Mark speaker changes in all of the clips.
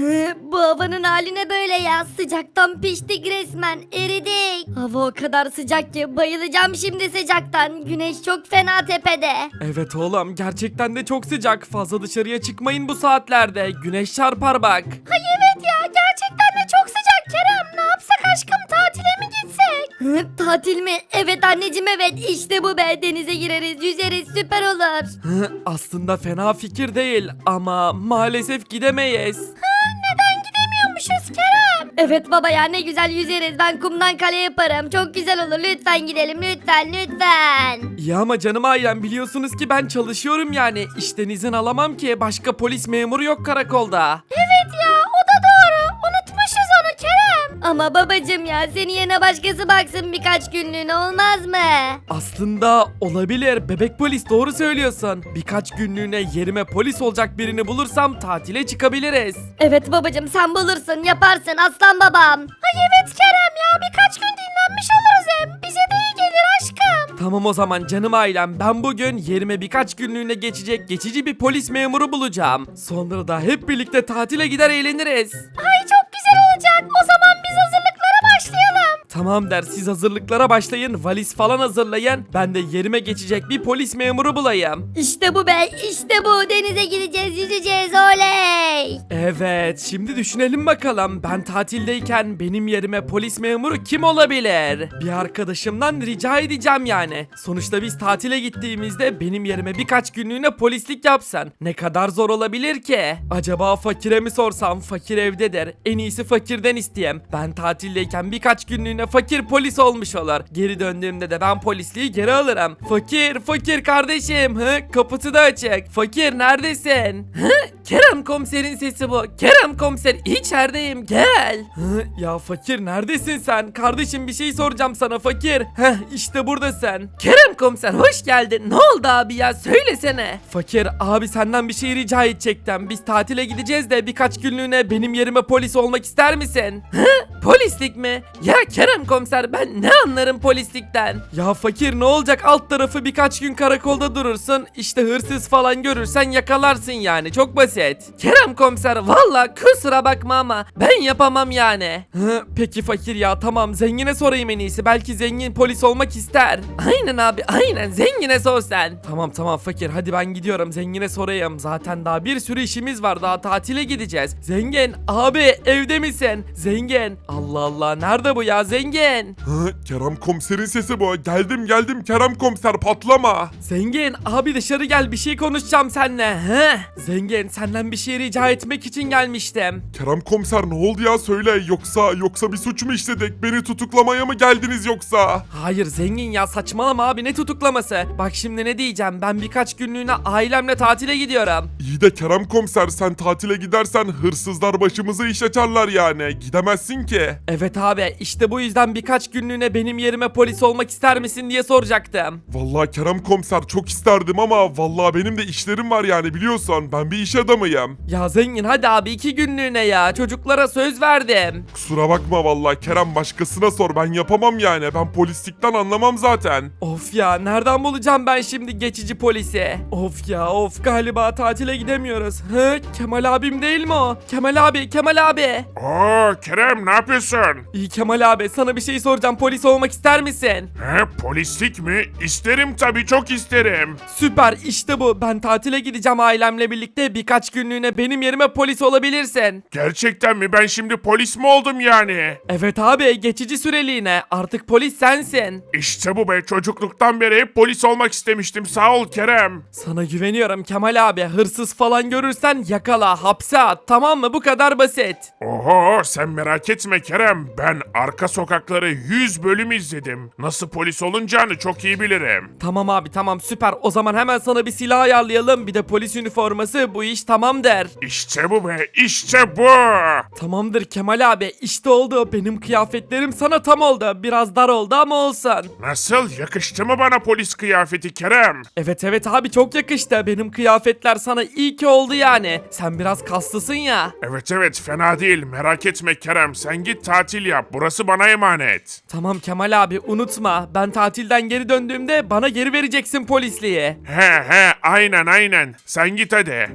Speaker 1: Bu havanın haline böyle ya. Sıcaktan piştik resmen. Eridik. Hava o kadar sıcak ki bayılacağım şimdi sıcaktan. Güneş çok fena tepede.
Speaker 2: Evet oğlum, gerçekten de çok sıcak. Fazla dışarıya çıkmayın bu saatlerde. Güneş çarpar bak.
Speaker 1: Ay evet ya, gerçekten de çok sıcak Kerem. Ne yapsak aşkım, tatile mi gitsek? Tatil mi? Evet anneciğim, evet. İşte bu be. Denize gireriz, yüzeriz, süper olur.
Speaker 2: Aslında fena fikir değil ama maalesef gidemeyiz.
Speaker 1: Neden gidemiyormuşuz Kerem? Evet baba ya, ne güzel yüzeriz. Ben kumdan kale yaparım. Çok güzel olur. Lütfen gidelim, lütfen lütfen.
Speaker 2: İyi ama canım ailem, biliyorsunuz ki ben çalışıyorum yani. İşten izin alamam ki, başka polis memuru yok karakolda.
Speaker 1: Evet ya, o da doğru. Unutmuşuz onu Kerem. Ama babacım ya, senin yerine başkası baksın birkaç günlüğüne, olmaz mı?
Speaker 2: Aslında olabilir, bebek polis, doğru söylüyorsun. Birkaç günlüğüne yerime polis olacak birini bulursam tatile çıkabiliriz.
Speaker 1: Evet babacım, sen bulursun, yaparsın aslan babam. Ay evet Kerem ya, birkaç gün dinlenmiş oluruz hem. Bize de iyi gelir aşkım.
Speaker 2: Tamam o zaman canım ailem, ben bugün yerime birkaç günlüğüne geçecek geçici bir polis memuru bulacağım. Sonra da hep birlikte tatile gider eğleniriz.
Speaker 1: Ay çok güzel olacak. O zaman biz hazırlıklara başlayalım.
Speaker 2: Tamam der, siz hazırlıklara başlayın, valiz falan hazırlayın. Ben de yerime geçecek bir polis memuru bulayım.
Speaker 1: İşte bu be, işte bu. Denize gideceğiz, yüzeceğiz, oley.
Speaker 2: Evet, şimdi düşünelim bakalım, ben tatildeyken benim yerime polis memuru kim olabilir? Bir arkadaşımdan rica edeceğim yani. Sonuçta biz tatile gittiğimizde benim yerime birkaç günlüğüne polislik yapsan ne kadar zor olabilir ki? Acaba fakire mi sorsam? Fakir evdedir. En iyisi fakirden isteyeyim. Ben tatildeyken birkaç günlüğüne fakir polis olmuş olur. Geri döndüğümde de ben polisliği geri alırım. Fakir kardeşim. Kapısı da açık. Fakir neredesin? Kerem komiserin sesi bu. Kerem komiser, içerideyim, gel. Ya fakir neredesin sen? Kardeşim bir şey soracağım sana fakir. İşte buradasın. Kerem komiser hoş geldin. Ne oldu abi ya, söylesene. Fakir abi, senden bir şey rica edecektim. Biz tatile gideceğiz de birkaç günlüğüne benim yerime polis olmak ister misin? Polislik mi? Ya Kerem komiser, ben ne anlarım polislikten? Ya fakir ne olacak, alt tarafı birkaç gün karakolda durursun. İşte hırsız falan görürsen yakalarsın yani, çok basit. Kerem komiser valla kusura bakma ama ben yapamam yani. Peki fakir ya, tamam, zengine sorayım en iyisi, belki zengin polis olmak ister. Aynen abi, aynen, zengine sor sen. Tamam fakir, hadi ben gidiyorum, zengine sorayım. Zaten daha bir sürü işimiz var, daha tatile gideceğiz. Zengin abi, evde misin? Zengin, Allah Allah, nerede bu ya zengin?
Speaker 3: Kerem komiserin sesi bu. Geldim Kerem komiser, patlama.
Speaker 2: Zengin abi, dışarı gel, bir şey konuşacağım seninle. Zengin, senden bir şey rica etmek için gelmiştim.
Speaker 3: Kerem komiser ne oldu ya, söyle, yoksa bir suç mu işledik? Beni tutuklamaya mı geldiniz yoksa?
Speaker 2: Hayır zengin ya, saçmalama abi, ne tutuklaması? Bak şimdi ne diyeceğim, ben birkaç günlüğüne ailemle tatile gidiyorum.
Speaker 3: İyi de Kerem komiser, sen tatile gidersen hırsızlar başımızı iş açarlar yani. Gidemezsin ki.
Speaker 2: Evet abi, işte bu yüzden birkaç günlüğüne benim yerime polis olmak ister misin diye soracaktım.
Speaker 3: Vallahi Kerem komiser çok isterdim ama vallahi benim de işlerim var yani, biliyorsun. Ben bir iş adamıyım.
Speaker 2: Ya zengin hadi abi, 2 günlüğüne ya, çocuklara söz verdim.
Speaker 3: Kusura bakma vallahi Kerem, başkasına sor, ben yapamam yani. Ben polislikten anlamam zaten.
Speaker 2: Of ya, nereden bulacağım ben şimdi geçici polisi? Of ya of, galiba tatile gidemiyoruz. Kemal abim değil mi o? Kemal abi.
Speaker 4: Oo Kerem, ne yapıyorsun?
Speaker 2: İyi Kemal abi, sana bir şey soracağım, polis olmak ister misin?
Speaker 4: Polislik mi? İsterim tabii, çok isterim.
Speaker 2: Süper, işte bu, ben tatile gideceğim ailemle birlikte, birkaç günlüğüne benim yerime polis olabilirsin.
Speaker 4: Gerçekten mi? Ben şimdi polis mi oldum yani?
Speaker 2: Evet abi, geçici süreliğine, artık polis sensin.
Speaker 4: İşte bu be, çocukluktan beri hep polis olmak istemiştim, sağ ol Kerem.
Speaker 2: Sana güveniyorum Kemal abi, hırsız falan görürsen yakala, hapse at, tamam mı, bu kadar basit.
Speaker 4: Oho, sen merak etme Kerem, ben Arka Sokakları 100 bölüm izledim. Nasıl polis olunacağını çok iyi bilirim.
Speaker 2: Tamam abi, tamam, süper, o zaman hemen sana bir silah ayarlayalım, bir de polis üniforması, bu iş tamam der.
Speaker 4: İşte bu be, işte bu.
Speaker 2: Tamamdır Kemal abi, işte oldu, benim kıyafetlerim sana tam oldu, biraz dar oldu ama olsun.
Speaker 4: Nasıl, yakıştı mı bana polis kıyafeti Kerem?
Speaker 2: Evet abi, çok yakıştı, benim kıyafetler sana iyi ki oldu yani, sen biraz kaslısın ya.
Speaker 4: Evet, fena değil, merak etme Kerem, sen git tatil yap, burası bana emanet.
Speaker 2: Tamam Kemal abi, unutma, ben tatilden geri döndüğümde bana geri vereceksin polisliği.
Speaker 4: He aynen, sen git hadi.
Speaker 2: Sağ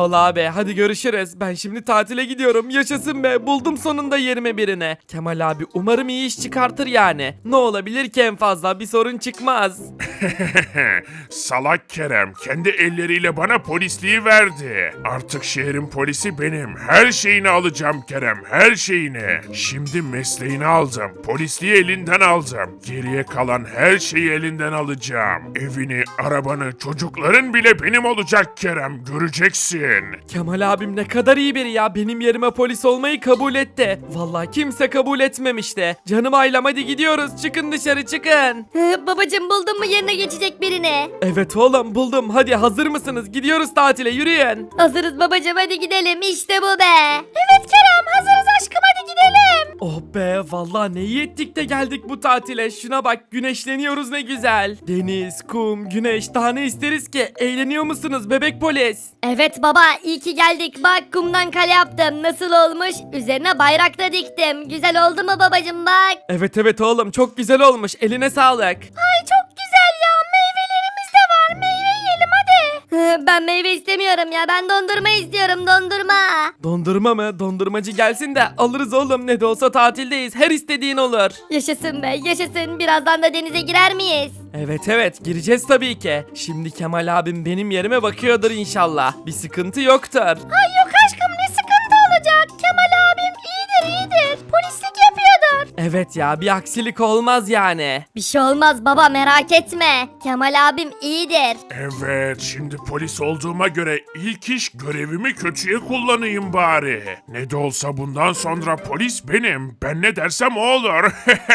Speaker 2: ol abi. Hadi görüşürüz. Ben şimdi tatile gidiyorum. Yaşasın be. Buldum sonunda yerime birini. Kemal abi umarım iyi iş çıkartır yani. Ne olabilir ki en fazla? Bir sorun çıkmaz.
Speaker 4: Salak Kerem kendi elleriyle bana polisliği verdi. Artık şehrin polisi benim. Her şeyini alacağım Kerem, her şeyini. Şimdi mesleğini aldım. Polisliği elinden aldım. Geriye kalan her şeyi elinden alacağım. Evini, arabanı, çocukların bile benim olacak Kerem. Göreceksin.
Speaker 2: Kemal abim ne kadar iyi biri ya. Benim yerime polis olmayı kabul etti. Vallahi kimse kabul etmemişti. Canım ailem hadi gidiyoruz. Çıkın dışarı çıkın.
Speaker 1: Babacım buldun mu yerine geçecek birini?
Speaker 2: Evet oğlum buldum. Hadi hazır mısınız? Gidiyoruz tatile yürüyün.
Speaker 1: Hazırız babacım hadi gidelim işte bu be. Evet Kerem hazırız aşkım hadi gidelim.
Speaker 2: Oh be vallahi ne iyi ettik de geldik bu tatile. Şuna bak güneşleniyoruz ne güzel. Deniz, kum, güneş daha ne isteriz ki? Eğleniyor musunuz bebek polis?
Speaker 1: Evet baba iyi ki geldik bak kumdan kale yaptım nasıl olmuş? Üzerine bayrak da diktim. Güzel oldu mu babacım bak?
Speaker 2: Evet oğlum çok güzel olmuş. Eline sağlık.
Speaker 1: Ay çok güzel ya meyvelerimiz de var meyve yiyelim hadi. Ben meyve istemiyorum ya ben dondurma istiyorum dondurma.
Speaker 2: Dondurma mı? Dondurmacı gelsin de alırız oğlum. Ne de olsa tatildeyiz. Her istediğin olur.
Speaker 1: Yaşasın be yaşasın birazdan da denize girer miyiz?
Speaker 2: Evet gireceğiz tabii ki. Şimdi Kemal abim benim yerime bakıyordur inşallah. Bir sıkıntı yoktur.
Speaker 1: Ay yok aşkım ne sıkıntı olacak Kemal abim iyidir polislik yapıyordur.
Speaker 2: Evet ya bir aksilik olmaz yani.
Speaker 1: Bir şey olmaz baba merak etme Kemal abim iyidir.
Speaker 4: Evet, şimdi polis olduğuma göre ilk iş görevimi kötüye kullanayım bari. Ne de olsa bundan sonra polis benim. Ben ne dersem o olur.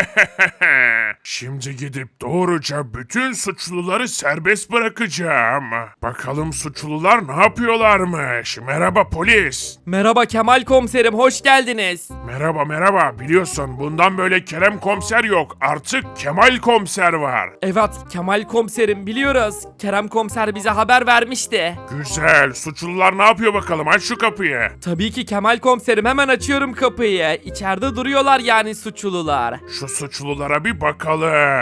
Speaker 4: Şimdi gidip doğruca bütün suçluları serbest bırakacağım. Bakalım suçlular ne yapıyorlarmış. Merhaba polis.
Speaker 2: Merhaba Kemal komiserim hoş geldiniz.
Speaker 4: Merhaba. Biliyorsun bundan böyle Kerem komiser yok. Artık Kemal komiser var.
Speaker 2: Evet Kemal komiserim biliyoruz. Kerem komiser bize haber vermişti.
Speaker 4: Güzel. Suçlular ne yapıyor bakalım? Aç şu kapıyı.
Speaker 2: Tabii ki Kemal komiserim hemen açıyorum kapıyı. İçeride duruyorlar yani suçlular.
Speaker 4: Şu suçlulara bir bakalım.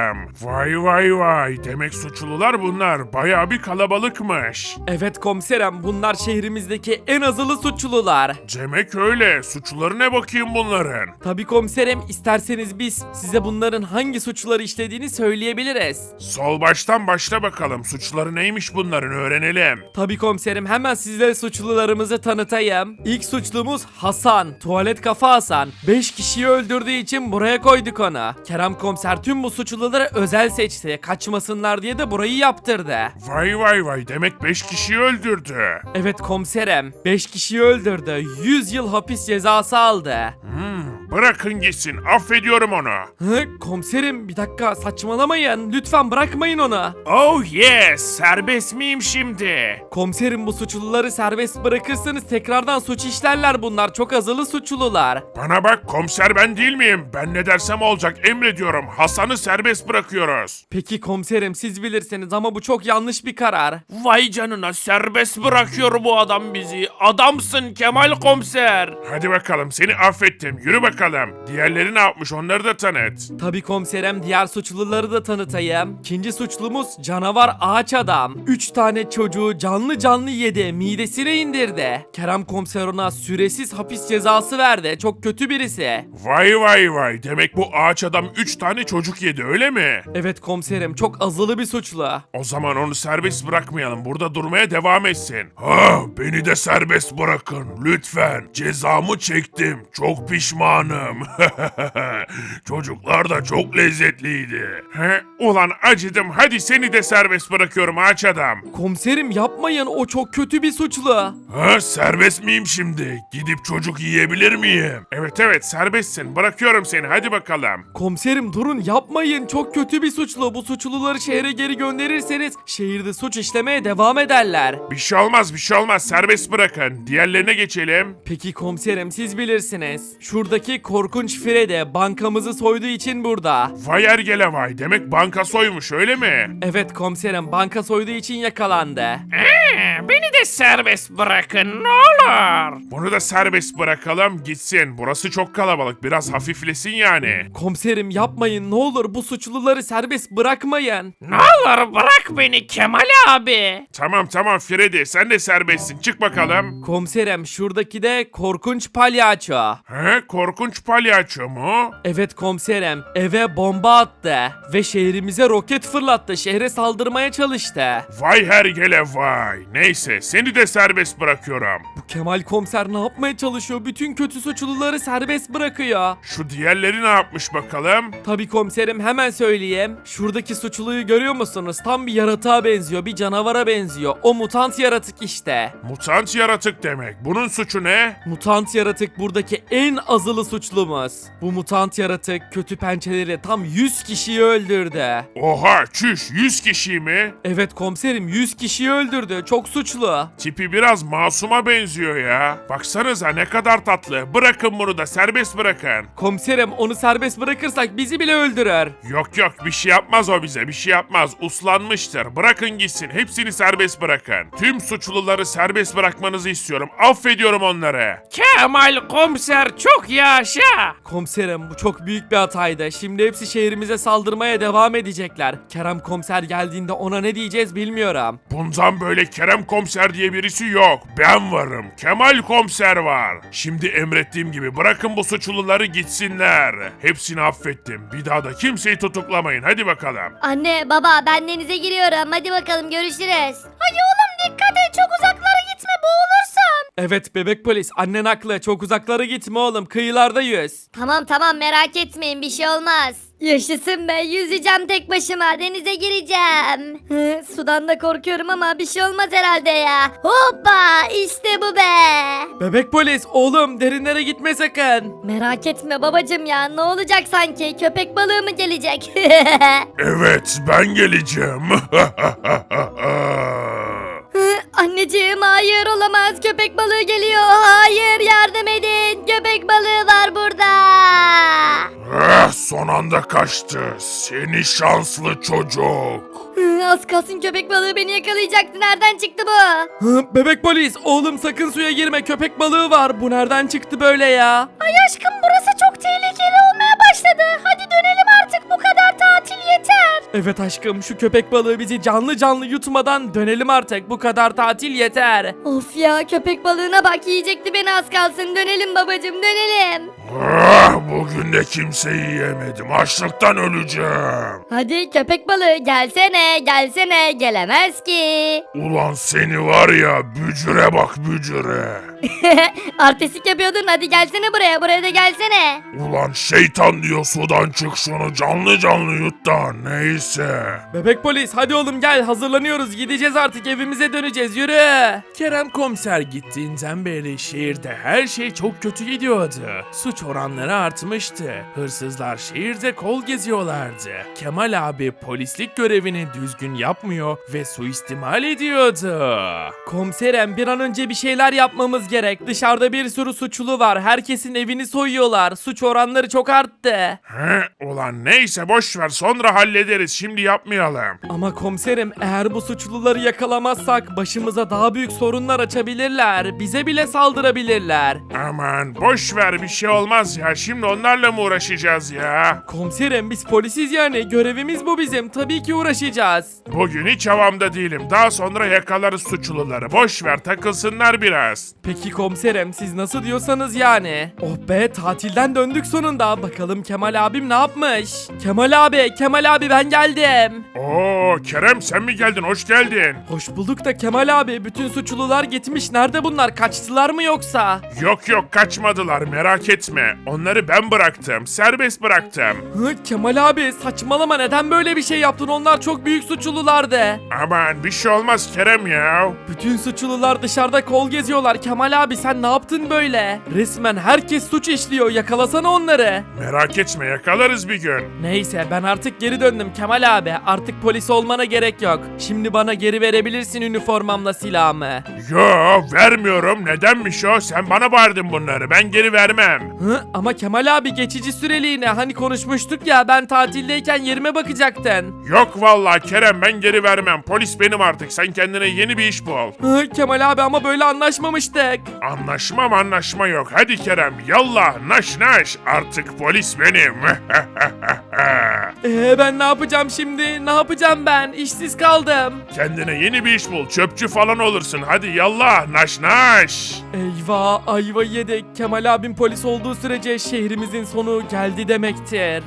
Speaker 4: Vay. Demek suçlular bunlar. Bayağı bir kalabalıkmış.
Speaker 2: Evet komiserim bunlar şehrimizdeki en azılı suçlular.
Speaker 4: Demek öyle. Suçluları ne bakayım bunların?
Speaker 2: Tabii komiserim isterseniz biz size bunların hangi suçları işlediğini söyleyebiliriz.
Speaker 4: Sol baştan başla bakalım. Suçları neymiş bunların öğrenelim.
Speaker 2: Tabii komiserim hemen sizlere suçlularımızı tanıtayım. İlk suçlumuz Hasan. Tuvalet kafa Hasan. 5 kişiyi öldürdüğü için buraya koyduk onu. Kerem komiser tüm bu suçluları özel seçti. Kaçmasınlar diye de burayı yaptırdı.
Speaker 4: Vay. Demek 5 kişiyi öldürdü.
Speaker 2: Evet komiserim 5 kişiyi öldürdü. 100 yıl hapis cezası aldı.
Speaker 4: Bırakın gitsin. Affediyorum onu.
Speaker 2: Komiserim bir dakika saçmalamayın. Lütfen bırakmayın onu.
Speaker 4: Oh yes. Serbest miyim şimdi?
Speaker 2: Komiserim bu suçluları serbest bırakırsanız tekrardan suç işlerler bunlar. Çok azılı suçlular.
Speaker 4: Bana bak komiser ben değil miyim? Ben ne dersem olacak emrediyorum. Hasan'ı serbest bırakıyoruz.
Speaker 2: Peki komiserim siz bilirsiniz ama bu çok yanlış bir karar.
Speaker 5: Vay canına serbest bırakıyor bu adam bizi. Adamsın Kemal komiser.
Speaker 4: Hadi bakalım seni affettim. Yürü bakalım. Diğerleri ne yapmış onları da tanıt.
Speaker 2: Tabii komiserim diğer suçluları da tanıtayım. İkinci suçlumuz canavar ağaç adam. 3 tane çocuğu canlı yedi, midesine indirdi. Kerem komiser ona süresiz hapis cezası verdi. Çok kötü birisi.
Speaker 4: Vay. Demek bu ağaç adam 3 tane çocuk yedi öyle mi?
Speaker 2: Evet komiserim çok azılı bir suçlu.
Speaker 4: O zaman onu serbest bırakmayalım. Burada durmaya devam etsin. Ha, beni de serbest bırakın lütfen. Cezamı çektim. Çok pişmanım. Çocuklar da çok lezzetliydi. Ulan acıdım. Hadi seni de serbest bırakıyorum ağaç adam.
Speaker 2: Komiserim yapmayın o çok kötü bir suçlu.
Speaker 4: Serbest miyim şimdi? Gidip çocuk yiyebilir miyim? Evet serbestsin. Bırakıyorum seni. Hadi bakalım.
Speaker 2: Komiserim durun yapmayın çok kötü bir suçlu. Bu suçluları şehre geri gönderirseniz şehirde suç işlemeye devam ederler.
Speaker 4: Bir şey olmaz. Serbest bırakın. Diğerlerine geçelim.
Speaker 2: Peki komiserim siz bilirsiniz. Şuradaki korkunç Freddy bankamızı soyduğu için burada.
Speaker 4: Vay ergele vay. Demek banka soymuş öyle mi?
Speaker 2: Evet komiserim banka soyduğu için yakalandı.
Speaker 5: Beni de serbest bırakın ne olur.
Speaker 4: Bunu da serbest bırakalım gitsin. Burası çok kalabalık. Biraz hafiflesin yani.
Speaker 2: Komiserim yapmayın ne olur bu suçluları serbest bırakmayın.
Speaker 5: Ne olur bırak beni Kemal abi.
Speaker 4: Tamam tamam Freddy sen de serbestsin. Çık bakalım.
Speaker 2: Komiserim şuradaki de korkunç palyaço.
Speaker 4: He korkunç palyaço mu?
Speaker 2: Evet komiserim eve bomba attı ve şehrimize roket fırlattı. Şehre saldırmaya çalıştı.
Speaker 4: Vay hergele vay. Neyse seni de serbest bırakıyorum.
Speaker 2: Bu Kemal komiser ne yapmaya çalışıyor? Bütün kötü suçluları serbest bırakıyor.
Speaker 4: Şu diğerleri ne yapmış bakalım?
Speaker 2: Tabii komiserim hemen söyleyeyim. Şuradaki suçluyu görüyor musunuz? Tam bir yaratığa benziyor, bir canavara benziyor. O mutant yaratık işte.
Speaker 4: Mutant yaratık demek. Bunun suçu ne?
Speaker 2: Mutant yaratık buradaki en azılı suçlumuz. Bu mutant yaratık kötü pençeleri tam 100 kişiyi öldürdü.
Speaker 4: Oha çüş 100 kişi mi?
Speaker 2: Evet komiserim 100 kişiyi öldürdü. Çok suçlu.
Speaker 4: Tipi biraz masuma benziyor ya. Baksanıza ne kadar tatlı. Bırakın bunu da serbest bırakın.
Speaker 2: Komiserim onu serbest bırakırsak bizi bile öldürür.
Speaker 4: Yok yok bir şey yapmaz o bize bir şey yapmaz. Uslanmıştır. Bırakın gitsin. Hepsini serbest bırakın. Tüm suçluları serbest bırakmanızı istiyorum. Affediyorum onları.
Speaker 5: Kemal komiser çok yaşa.
Speaker 2: Komiserim bu çok büyük bir hataydı. Şimdi hepsi şehrimize saldırmaya devam edecekler. Kerem komiser geldiğinde ona ne diyeceğiz bilmiyorum.
Speaker 4: Bundan böyle Kerem komiser diye birisi yok. Ben varım. Kemal komiser var. Şimdi emrettiğim gibi bırakın bu suçluları gitsinler. Hepsini affettim. Bir daha da kimseyi tutuklamayın. Hadi bakalım.
Speaker 1: Anne baba ben denize giriyorum. Hadi bakalım görüşürüz. Ay oğlum dikkat et çok uzaklara gitme boğulursun.
Speaker 2: Evet bebek polis annen haklı. Çok uzaklara gitme oğlum. Kıyılarda yüz.
Speaker 1: Tamam merak etmeyin bir şey olmaz. Yaşasın be yüzeceğim tek başıma denize gireceğim. Sudan da korkuyorum ama bir şey olmaz herhalde ya. Hoppa işte bu be.
Speaker 2: Bebek polis oğlum derinlere gitme sakın.
Speaker 1: Merak etme babacım ya ne olacak sanki köpek balığı mı gelecek?
Speaker 4: Evet ben geleceğim.
Speaker 1: Anneciğim hayır olamaz köpek balığı geliyor. Hayır yardım edin köpek balığı var burada.
Speaker 4: Son anda kaçtı. Seni şanslı çocuk.
Speaker 1: Az kalsın köpek balığı beni yakalayacaktı. Nereden çıktı bu?
Speaker 2: Bebek polis oğlum sakın suya girme. Köpek balığı var. Bu nereden çıktı böyle ya?
Speaker 1: Ay aşkım burası çok tehlikeli olmaya başladı. Hadi dönelim artık bu kadar tatil yeter.
Speaker 2: Evet aşkım şu köpek balığı bizi canlı canlı yutmadan dönelim artık. Bu kadar tatil yeter.
Speaker 1: Of ya köpek balığına bak yiyecekti beni az kalsın. Dönelim babacım dönelim.
Speaker 4: Bugün de kimseyi yemedim. Açlıktan öleceğim.
Speaker 1: Hadi köpek balığı gelsene gelemez ki.
Speaker 4: Ulan seni var ya bücüre bak bücüre.
Speaker 1: Artistik yapıyordun hadi gelsene buraya da gelsene.
Speaker 4: Ulan şeytan diyor sudan çık şunu canlı canlı yut da neyse.
Speaker 2: Bebek polis hadi oğlum gel hazırlanıyoruz. Gideceğiz artık evimize döneceğiz yürü.
Speaker 5: Kerem komiser gittiğinden beri şehirde her şey çok kötü gidiyordu. Suç oranları artmıştı. Hırsızlar şehirde kol geziyorlardı. Kemal abi polislik görevini düzgün yapmıyor ve suistimal ediyordu.
Speaker 2: Komiserim bir an önce bir şeyler yapmamız gerek. Dışarıda bir sürü suçlu var. Herkesin evini soyuyorlar. Suç oranları çok arttı.
Speaker 4: Ulan neyse boş ver sonra hallederiz şimdi yapmayalım.
Speaker 2: Ama komiserim eğer bu suçluları yakalamazsak başımıza daha büyük sorunlar açabilirler. Bize bile saldırabilirler.
Speaker 4: Aman boş ver bir şey olmaz ya şimdi onlarla mı uğraşacağız ya?
Speaker 2: Komiserim biz polisiz yani. Görevimiz bu bizim. Tabii ki uğraşacağız.
Speaker 4: Bugün hiç havamda değilim daha sonra yakalarız suçluları boş ver takılsınlar biraz.
Speaker 2: Peki komiserim siz nasıl diyorsanız yani. Oh be tatilden döndük sonunda. Bakalım Kemal abim ne yapmış? Kemal abi ben geldim.
Speaker 4: Oo Kerem sen mi geldin hoş geldin.
Speaker 2: Hoş bulduk da Kemal abi bütün suçlular gitmiş. Nerede bunlar? Kaçtılar mı yoksa?
Speaker 4: Yok kaçmadılar merak etme onları ben bıraktım serbest bıraktım.
Speaker 2: Kemal abi saçmalama neden böyle bir şey yaptın? Onlar çok büyük suçlulardı.
Speaker 4: Aman bir şey olmaz Kerem ya.
Speaker 2: Bütün suçlular dışarıda kol geziyorlar. Kemal abi sen ne yaptın böyle? Resmen herkes suç işliyor. Yakalasana onları.
Speaker 4: Merak etme yakalarız bir gün.
Speaker 2: Neyse ben artık geri döndüm. Kemal abi, artık polis olmana gerek yok. Şimdi bana geri verebilirsin üniformamla silahımı.
Speaker 4: Yo, vermiyorum. Nedenmiş o? Sen bana bağırdın bunları. Ben geri vermem.
Speaker 2: Hı? Ama Kemal abi, geçici süreliğine, hani konuşmuştuk ya, ben tatildeyken yerime bakacaktın.
Speaker 4: Yok vallahi Kerem, ben geri vermem. Polis benim artık. Sen kendine yeni bir iş bul.
Speaker 2: Hı, Kemal abi, ama böyle anlaşmamıştık.
Speaker 4: Anlaşma yok. Hadi Kerem, yallah, naş naş. Artık polis benim.
Speaker 2: Ben ne yapacağım şimdi? Ne yapacağım ben? İşsiz kaldım.
Speaker 4: Kendine yeni bir iş bul. Çöpçü falan olursun. Hadi yallah, naş naş.
Speaker 2: Eyvah, ayva yedik. Kemal abim polis olduğu sürece şehrimizin sonu geldi demektir.